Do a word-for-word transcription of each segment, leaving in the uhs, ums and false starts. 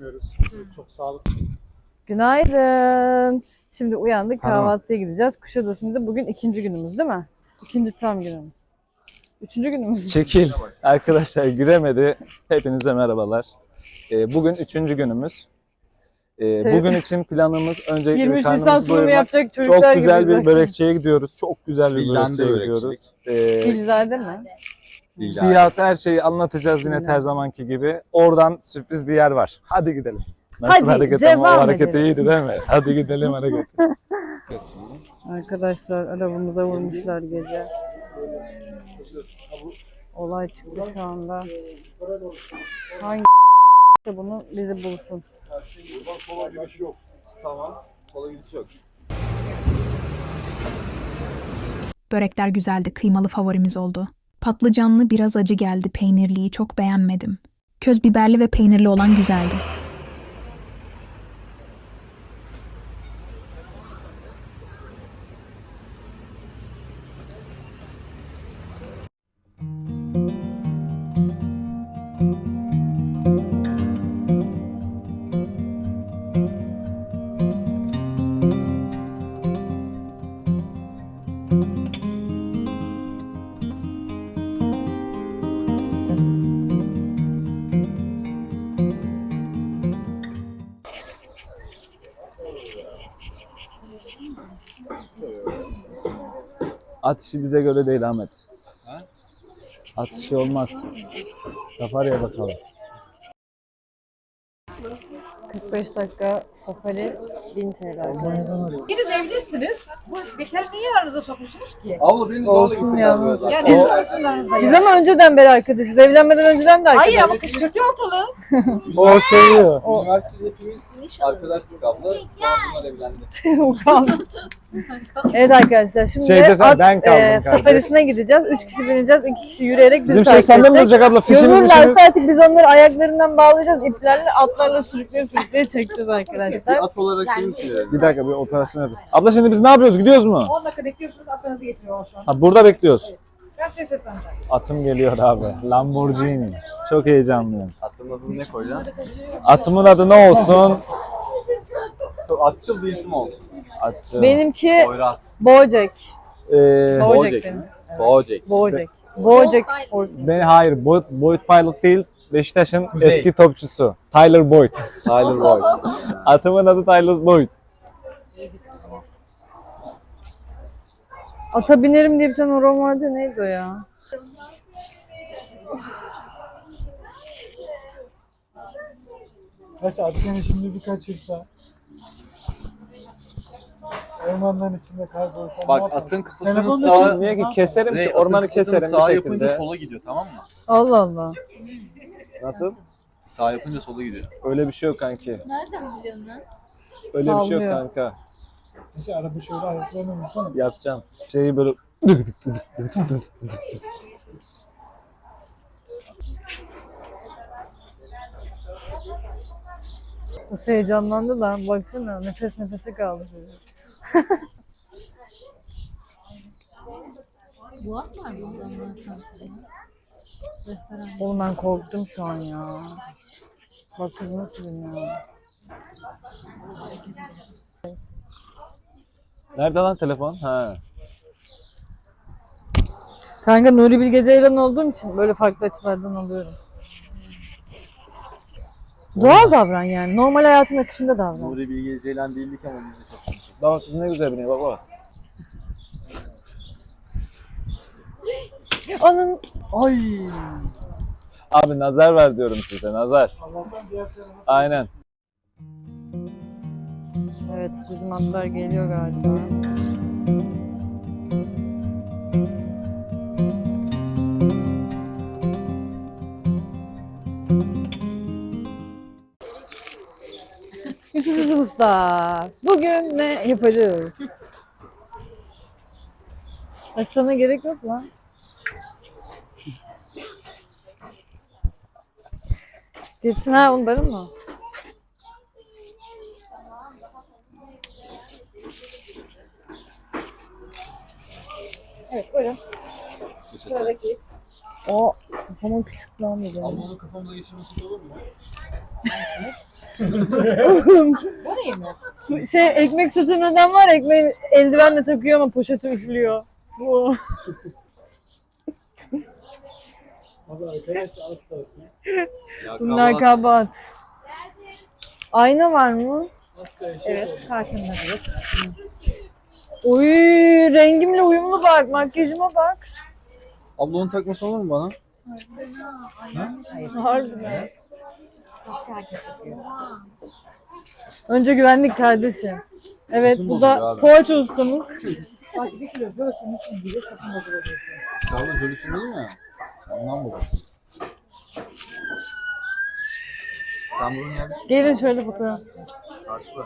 yapmıyoruz. Çok sağlıklı. Günaydın. Şimdi uyandık, Tamam. kahvaltıya gideceğiz. Kuşadası'nda bugün ikinci günümüz değil mi? İkinci tam günüm. Üçüncü günümüz. Çekil. Arkadaşlar giremedi. Hepinize merhabalar. Ee, bugün üçüncü günümüz. Ee, Tabii. bugün için planımız öncelikle yirmi bir üç Nisan karnımızı sunumu doyurmak. yapacak çocuklar Çok güzel gibiyiz. bir börekçiye gidiyoruz. Çok güzel bir Bilden de börekçiye börekçilik. gidiyoruz. Ee, Gülzade mi? Değil fiyat her şeyi anlatacağız yine Bilden. her zamanki gibi. Oradan sürpriz bir yer var. Hadi gidelim. Nasıl Hadi, hareket ama o devam hareketi edelim. iyiydi değil mi? Hadi gidelim hareket. Arkadaşlar arabamıza vurmuşlar gece. Olay çıktı şu anda. Hangi bunu bizi bulsun. Sola gidiş yok. Tamam. Sola gidiş yok. Börekler güzeldi, kıymalı favorimiz oldu. Patlıcanlı biraz acı geldi, peynirliyi çok beğenmedim. Köz biberli ve peynirli olan güzeldi. At işi bize göre değil Ahmet. Ha? At işi olmaz. Safari'ye bakalım. kırk beş dakika safari bin T L arkadaşlar. İkiniz evlisiniz. Bu bekar niye aranıza sokmuşsunuz ki? Abla beni zorla Olsun gitsin ya. galiba. Yani ne sorarsunuz aranızda Biz ya? ama önceden beri arkadaşız. Evlenmeden önceden de arkadaşız. Hayır ama kışkırtıyor ortalığı. O seviyor. Üniversitede hepimiz arkadaşlık abla. Sonra bunlar evlendi. Okan. Evet arkadaşlar şimdi Şeyde sen- at ben kaldım e, kanka. safarisine gideceğiz. Üç kişi bineceğiz, iki kişi yürüyerek bizi Bizim şey takip sende mi edecek. duracak abla? Fişimiz Yorulurlarsa mişimiz. artık biz onları ayaklarından bağlayacağız. İplerle atlarla sürükleye sürükleye çekeceğiz arkadaşlar. At olarak şey mi düşünüyoruz? Bir dakika bir operasyon yapayım. Abla şimdi biz ne yapıyoruz? Gidiyoruz mu? on dakika bekliyorsunuz aklınızı getiriyor şu an. Ha burada bekliyoruz. Ben size sesleneceğim. Atım geliyor abi. Lamborghini. Çok heyecanlıyım. Atın adını ne koyacaksın? Atımın adı ne olsun? Çok atçıl bir isim olsun. Atçı. Benimki Poyraz. Bojack. Ee, Bojack Bojack benim. mi? Bojack. Bojack. Bojack. beni hayır. Boyd, Boyd Pilot değil. Beşiktaş'ın Kuzey. eski topçusu. Tyler Boyd. Tyler Boyd. Atımın adı Tyler Boyd. Ata binerim diye bir tane oran vardı. Neydi o ya? Mesela seni şimdi bir kaçırsa, ormanların içinde kaybolsa ne Bak yaparsın? atın kafasının Telefonla sağa... çek- Niye ki keserim Rey, ki atın ormanı kafasının keserim sağa bir yapınca şekilde. sola gidiyor, tamam mı? Allah Allah. Nasıl? Sağ yapınca sola gidiyor. Öyle bir şey yok kanki. Nereden biliyorsun lan? Öyle bir şey yok Sallıyor. kanka. Mesela araba şöyle ayaklarına vursana. Yapacağım. Şeyi böyle Nasıl heyecanlandı lan. Baksana nefes nefese kaldı çocuk. Bu at var mı? Oğlum ben korktum şu an ya. Bak kız nasıl biniyor. Nerede lan telefon? Ha. Kanka Nuri Bilge Ceylan olduğum için böyle farklı açılardan alıyorum. Doğal davran yani. Normal hayatın akışında davran. Nuri Bilge Ceylan değildik ama biz de çok konuştuk. Bak kız ne güzel biniyor baba. Onun... Ay. Abi nazar ver diyorum size nazar. Allah'tan diğer tarafa Aynen. Evet bizim atlar geliyor galiba. Yusuf Usta. Bugün ne yapacağız? Ay sana gerek yok lan. Gitsin ha onların mı? Evet buyurun. Sıradaki. O kafama küçük lan bu benim. Ablanın kafamıza geçirmesi de olur mu? Orayı mı? Şey ekmek satan adam var, ekmeği eldivenle takıyor ama poşeti üflüyor. Bu. Abi arkadaşlar alt saat. Ya Bunlar kabahat. kabahat. Ayna var mı? Hatta şey Evet, karşımda. Oy, rengimle uyumlu bak, makyajıma bak. Abla onu takması olur mu bana? Harbiden. Başka herkes yapıyor. Önce güvenlik kardeşim. Evet, Nasıl bu bozuluyor da abi? poğaça ustamız. Bak bir kilo göğsünün için bile sakın bozulabilirsin. Abla görürsün değil mi? Ondan bu. Sen bunun yerdesin. Gelin şöyle fotoğraf. Karşıda.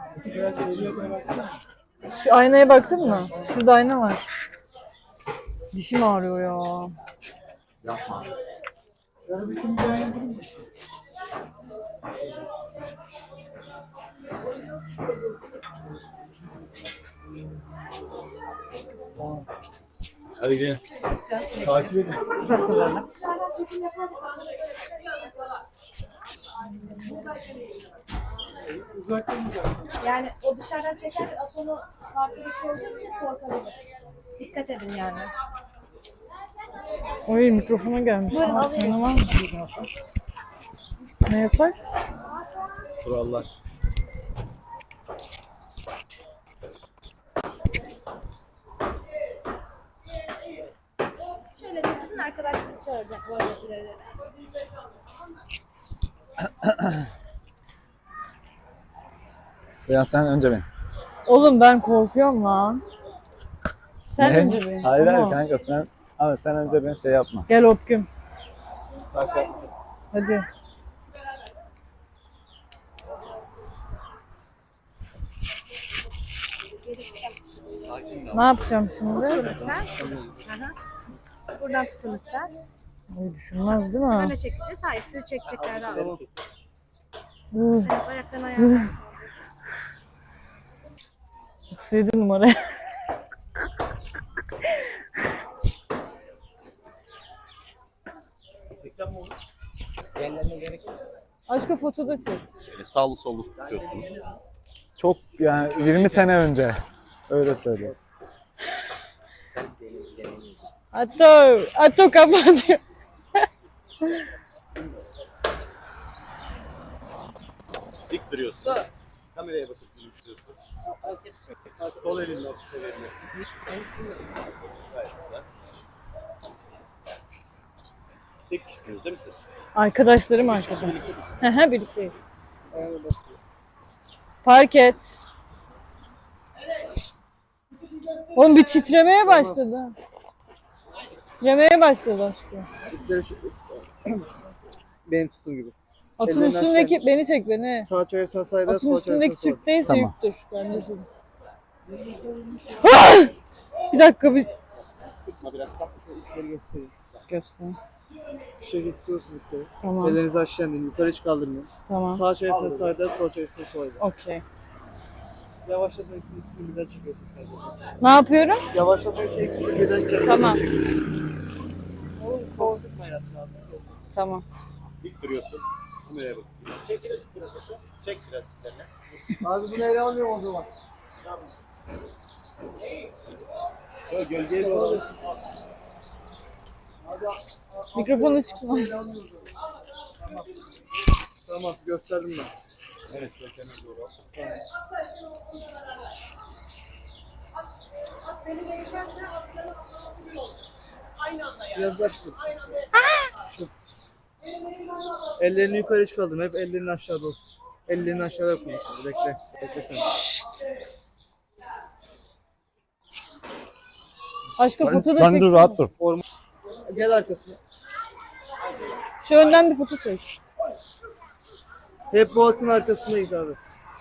Şu aynaya baktın mı? Şurada ayna var. Dişim ağrıyor ya. Yapma. Yani üçüncü ay yapalım mı? Hadi gidelim. Takip edin. Uzak kullanmak. Uzaktan uzak. Yani o dışarıdan çeker at onu farklı bir şey olduğu için korkabilir. Dikkat edin yani. Oy, mikrofona gelmiş. Buyurun, Ha, alayım. sana var mı? Ne yasak? Kurallar. Şöyle de sizin arkadaşınızı çağıracak böyle ileride. Ya sen önce bin. Oğlum ben korkuyorum lan. Sen Ne? önce bin. Hayır hayır Ama kanka sen. Abi sen önce bin, şey yapma. Gel Opküm. Taş yapmayız. Hadi. Ne yapacağım şimdi? Lütfen. Aha. Buradan tutun lütfen. Ay, düşünmez değil mi? Öne çekeceğiz. Hayır sizi çekecekler abi. Uh, Evet, ayaktan ayağa. otuz yedi numara. Aşkım foto da çek. Şöyle sağlı sollu tutuyorsunuz. Çok yani yirmi sene önce. Öyle söyleyeyim. Ato, Ato kapatıyor. Dik duruyorsun. Kameraya bakıp gülümsüyorsun. Sol elinle ofise verilmesin. Gayet güzel. Tek kişisiniz değil mi siz? Arkadaşlarım arkadaş. Hı hı, birlikteyiz. Park et. Oğlum bir titremeye başladı. Titremeye başladı aşkım. Benim tuttuğum gibi. Atın Ellerini üstündeki beni çek beni. Sağ çevirsen sağda, Atın sol üstündeki çevirsen solda. Türk değilse Tamam. yüktür kardeşim. Ah! Bir dakika bir Sıkma biraz saf. Şöyle içleri göstereyim. göster. Şu şekilde tutuyorsunuz yukarı. Tamam. Ellerinizi aşağı indirin. Yukarı hiç kaldırmayın. Tamam. Sağ çevirsen sağda, sol çevirsen solda. Okey. Yavaşlatmak için ikisini birden çekiyorsunuz kardeşim. Ne yapıyorum? Yavaşlatmak için ikisini birden çekiyorsunuz. Tamam. Oğlum çok sıkma hayatım abi. Tamam. Dik duruyorsun. Kameraya bak. Çek biraz biraz. Çek biraz üzerine. Abi bunu ele almıyorum o zaman. Şöyle gölgeye doğru. Mikrofonu çıkma. Tamam gösterdim ben. Evet, kökene doğru. Biraz daha şu. Şu. Ellerini yukarı hiç kaldırma. Hep ellerin aşağıda olsun. Ellerini aşağıda koy. Bekle. Bekle sen. Aşkım foto da Ben çek. dur, rahat dur. Gel arkasına. Şu önden bir foto çek. Hep bu atın arkasında git abi.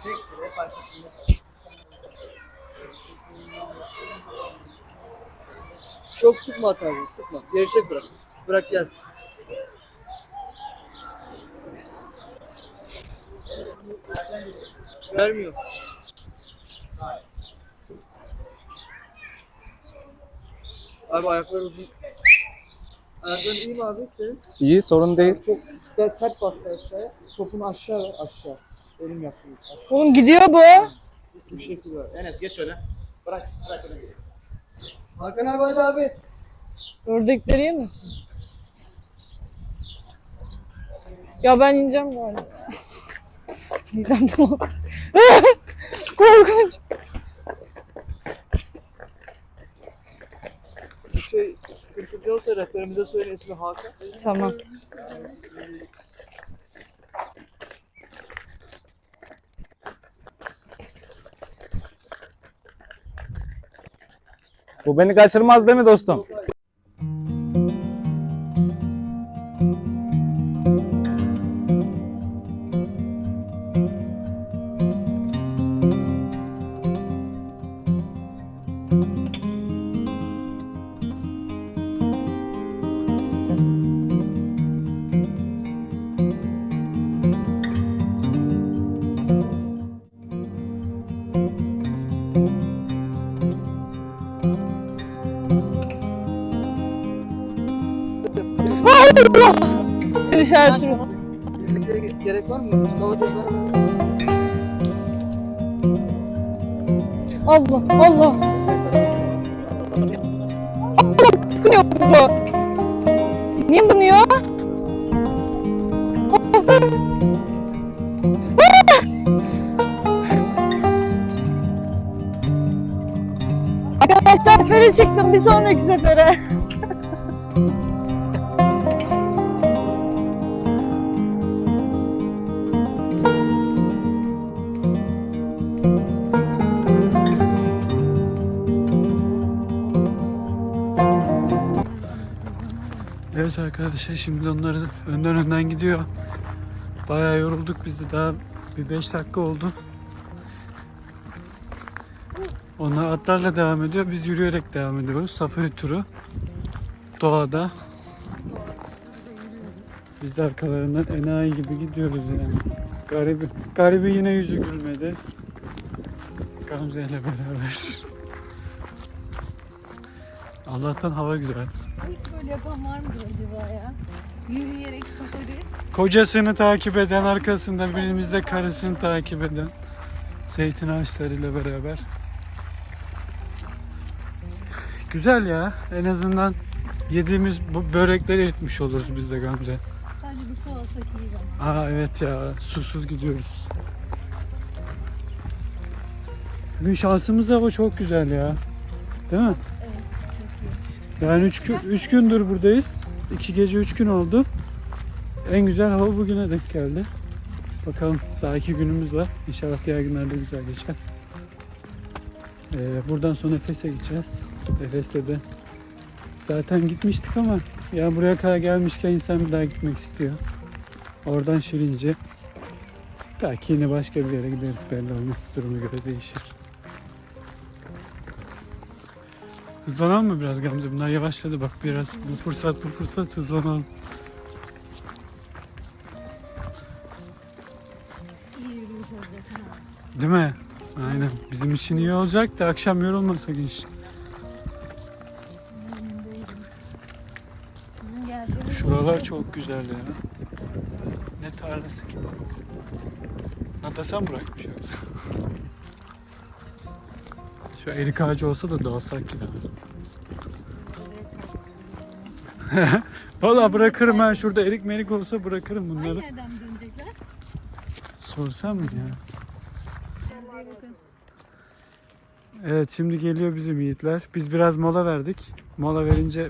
Çok sıkma at abi. Sıkma. Gevşek bırak. Bırak gelsin. Vermiyor. Abi ayaklar uzun. Ayakların iyi mi abi senin? İyi, sorun değil. Çok Biraz sert bastı aşağıya. Topunu aşağı ver, aşağı. Elim yaptım. Oğlum gidiyor bu. Bu şekilde var. Enes geç öyle. Bırak. Bırak öyle. Hakan abi hadi abi. Ördekleri yemesin. Ya ben ineceğim galiba. Midem bulandı. Korkunç. Bir şey sıkıntı yoksa rehberimize söyle, ismi Hakan. Tamam. Bu beni kaçırmaz değil mi dostum? İşaret turu. Gerek, gerek var mı? Mustafa Cezayir. Allah Allah. Niye bu? Niye bınıyor? Arkadaşlar sefere çıktım, bir sonraki sefere. Evet arkadaşlar, şimdi onları önden önden gidiyor. Bayağı yorulduk biz de, daha bir beş dakika oldu. Onlar atlarla devam ediyor, biz yürüyerek devam ediyoruz. Safari turu doğada. Biz de arkalarından enayi gibi gidiyoruz yani. Garibi, garibi yine yüzü gülmedi. Gamze ile beraber. Allah'tan hava güzel. Hiç böyle yapan var mıdır acaba ya? Yürüyerek safari. Kocasını takip eden, arkasından birimizde karısını takip eden, zeytin ağaçlarıyla beraber. Güzel ya. En azından yediğimiz bu börekleri eritmiş oluruz biz de Gamze. Sadece bir su alsak iyi bana. Aa evet ya. Susuz gidiyoruz. Bugün şansımız hava çok güzel ya. Değil mi? Evet, çok iyi. Yani üç gün, üç gündür buradayız. iki gece üç gün oldu. En güzel hava bugüne denk geldi. Bakalım, daha iki günümüz var. İnşallah diğer günlerde güzel geçer. Ee, buradan sonra Efes'e gideceğiz. Efes'te de zaten gitmiştik ama ya buraya kadar gelmişken insan bir daha gitmek istiyor. Oradan Şirince. Belki yine başka bir yere gideriz, belli olmaz. Duruma göre değişir. Hızlanalım mı biraz Gamze? Bunlar yavaşladı bak biraz. Bu fırsat bu fırsat hızlanalım. İyi yürüyüş olacak. Ha. Değil mi? Aynen. Bizim için iyi olacak da akşam yorulmasak iş. Bizim geldiğimiz Şuralar çok güzel ya. Ne tarlası ki? Natasan bırakmış yoksa. Şu erik ağacı olsa da dalsak ya. Valla bırakırım ha. Şurada erik merik olsa bırakırım bunları. Aynı yerden mi dönecekler? Sorsam mı ya? Kendinize iyi bakın. Evet, şimdi geliyor bizim yiğitler. Biz biraz mola verdik. Mola verince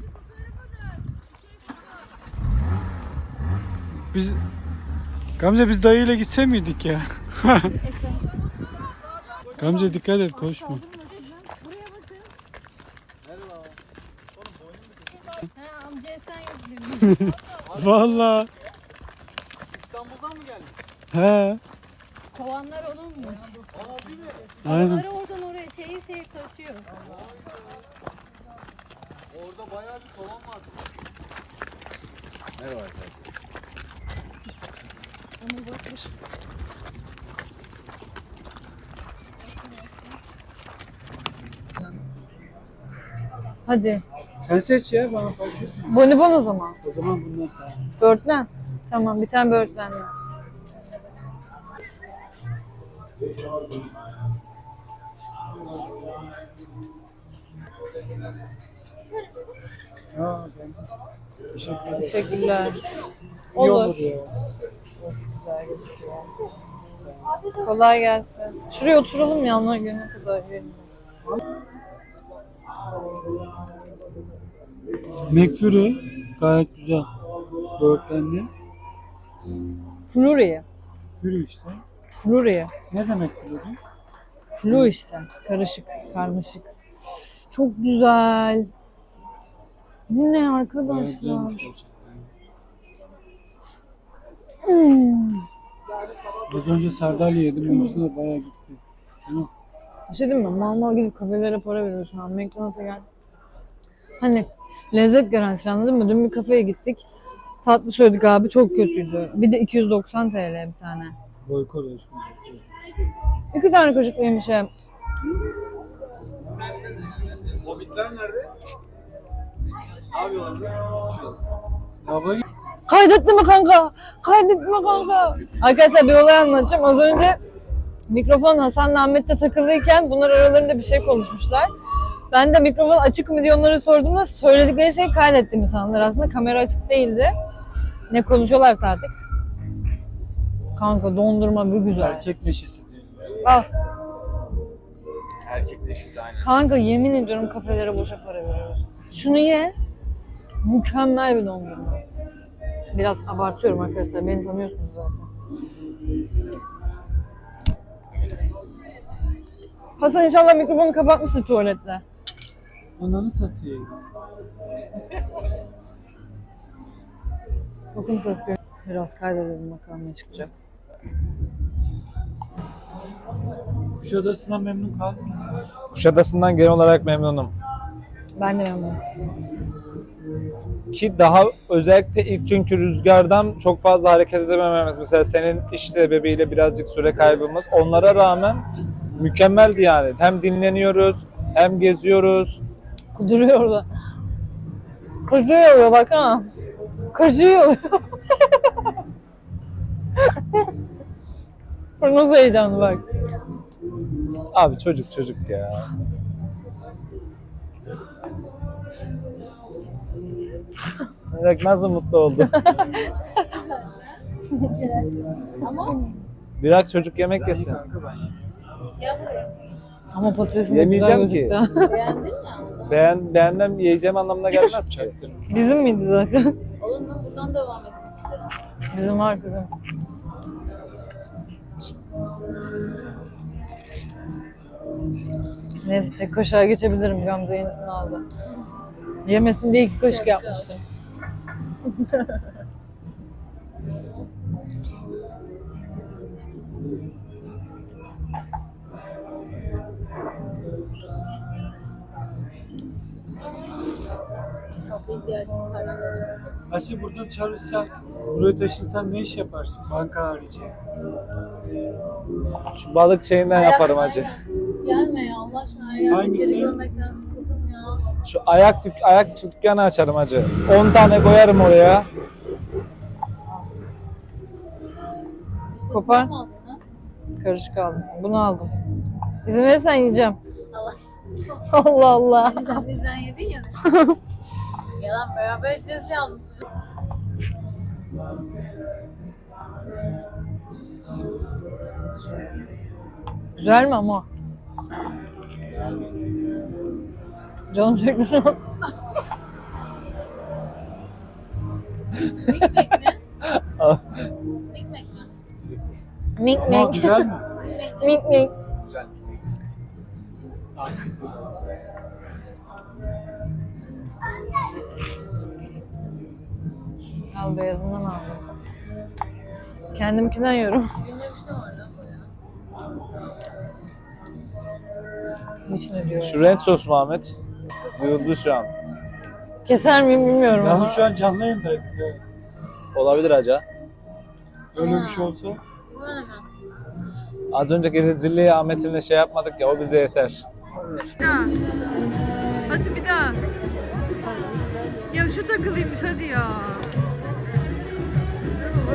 biz Gamze biz dayıyla gitse miydik ya? Gamze dikkat et, koşma. Buraya bakın. Ha, amcaya sen yok demiş. Vallahi. İstanbul'dan mı geldin? He. Kovanlar onun mu? Aynen. Onları oradan oraya şeyi şeyi taşıyor. Orada bayağı bir kovan var. Merhaba arkadaşlar. Onu bak. Hadi. Sen seç ya, bana fark etmiyor. Bonibon o zaman. O zaman bunlar. Börtlen. Tamam, bir tane böğürtlenli. Aa, ben... Teşekkür ederim. Teşekkürler. İyi Olur. olur ya. Güzel gözüküyor. Kolay gelsin. Şuraya oturalım ya, onlar gelene kadar yiyelim. McFlurry gayet güzel. Böğürtlenli. Flurry. Flurry işte. Flurry. Ne demek flurry? Flu işte. Karışık, karmaşık. Çok güzel. Bu ne Bayağı arkadaşlar? güzelmiş gerçekten. Hmm. Az önce sardalya yedim. Onun da bayağı gitti. Değil mi? Bir şey diyeyim mi? Mal mal gidip kafelere para veriyorsun abi. McDonald's'a gel. Hani lezzet garantisi, anladın mı? Dün bir kafeye gittik. Tatlı söyledik abi, çok kötüydü. Bir de iki yüz doksan T L bir tane. Boykot aşkım. İki tane kaşıklı yemişim. Hobbitler nerede? Ne yapıyorlar? Hava Kaydetti mi kanka? Kaydetti mi kanka? Arkadaşlar bir olay anlatacağım. Az önce mikrofon Hasan'la Ahmet'te takılıyken bunlar aralarında bir şey konuşmuşlar. Ben de mikrofon açık mı diye onlara sorduğumda söyledikleri şeyi kaydettiğimi sandılar. Aslında kamera açık değildi. Ne konuşuyorlarsa artık. Kanka dondurma bir güzel. erkek neşesi diyor. Al. Erkek neşesi aynen. Kanka yemin ediyorum kafelere boşa para veriyoruz. Şunu ye. Mükemmel bir dondurma. Biraz abartıyorum arkadaşlar. Beni tanıyorsunuz zaten. Hasan inşallah mikrofonu kapatmıştır tuvalette. Ananı satayım. Bakın ses gö- Biraz kaydedelim bakalım ne çıkacak. Kuşadası'na memnun kaldın mı? Kuşadası'ndan genel olarak memnunum. Ben de memnunum. Ki daha özellikle ilk günkü rüzgardan çok fazla hareket edemememiz. Mesela senin iş sebebiyle birazcık süre kaybımız. Onlara rağmen mükemmeldi yani. Hem dinleniyoruz, hem geziyoruz. Kuduruyor orada. Koşuyor orada bak ha. Koşuyor. Bu nasıl heyecanlı bak. Abi çocuk çocuk ya. Bak nasıl mutlu oldu. Ama Biraz çocuk yemek yesin. gel buraya. Ama patatesin de güzel Yemeyeceğim ki. gözüktü. Beğendin mi? Beğen, beğenmem yiyeceğim anlamına gelmez ki. Bizim miydi zaten? Olur mu? Buradan devam edin size. Bizim var kızım. Neyse tek kaşığa geçebilirim. Gamze yenisini aldı. Yemesin diye iki kaşık yapmıştım. Tatlı ihtiyacını karşıladı. Aşı burada çalışsan, buraya taşınsan ne iş yaparsın? Banka harici. Şu balık şeyinden yaparım hacı. Gelme ya Allah aşkına, her yerde Hangisi? geri görmekten sıkıldım ya. Şu ayak dük ayak dükkanı açarım hacı. on tane koyarım oraya. İşte Kopar. sen mi aldın ha? Karışık aldım. Bunu aldım. İzin verirsen yiyeceğim. Allah. Allah Allah. Hani sen bizden yedin ya. Yalan, beraber edeceğiz yalnız. Güzel mi ama? Canım çekti şu an. Mikmek mi? Mikmek mi? Mink Ama mink. güzel mi? Mink mink. Güzel. Al beyazından aldım. Kendimkinden yiyorum. Dinlemiştim orada bu ya. İçine diyor. Şu renk sos mu Ahmet? Duyuldu şu an. Keser miyim bilmiyorum ama. Yani şu an canlı yayındaydık ya. Olabilir hacı. Öyle bir şey olsa. Bu ne hemen? Az önceki rezilliği Ahmet'imle şey yapmadık ya, o bize yeter. Hadi bir daha. Ya şu takılıymış hadi ya.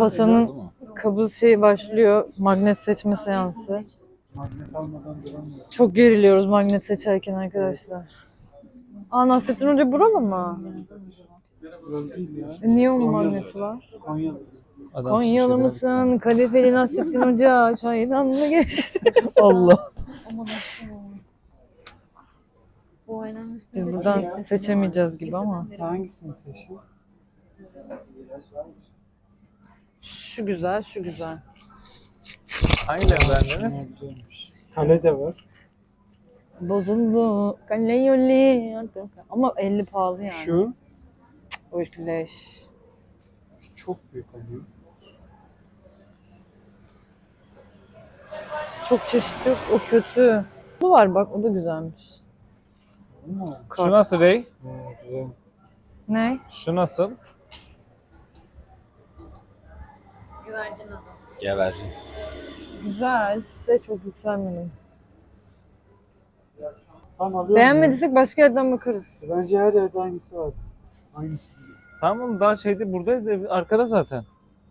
Hasan'ın kabız şeyi başlıyor. Magnet seçme seansı. Magnet almadan duramıyor. Çok geriliyoruz magnet seçerken arkadaşlar. Aa, Nasrettin Hoca buralı mı? Böyle değil ya. E, niye onun magneti var? Konyalı. Adam Konyalı Türkçe'de mısın? Kadifeli Nasrettin Hoca çaydan mı geçti? Allah. Aman aşkım. Bu aynanın üstünde Biz buradan seçemeyeceğiz gibi ama. Sen hangisini seçtin? Şu güzel, şu güzel. Hangilerini beğendiniz? Ha, güzelmiş. Kale de var. Bozuldu. Kale yoli. Ama elli pahalı yani. Şu. O leş. Şu çok büyük oluyor. Çok çeşit yok. O kötü. Bu var bak, o da güzelmiş. Ama Şu nasıl Rey? ha, güzel. Ne? Şu nasıl? güvercin adı. Gevercin. Güzel. De çok yükselmedim. Tamam alıyorum. Beğenmediysek başka yerden bakarız. ya. Bence her yerde hangisi var. Hangisi? Tamam daha şeyde buradayız ev arkada zaten.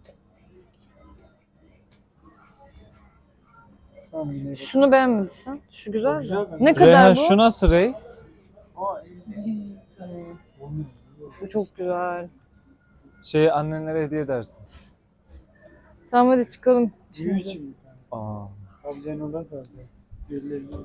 Tamam yine bak. Şunu beğenmediysen. Şu güzel Güzel mi? bence. Ne kadar Reyhan bu? şu nasıl Rey? Bu çok güzel. Şey annenlere hediye edersin. Tamam hadi çıkalım. Büyü için mi? Aa. Abzenola da alacağız. Birileri.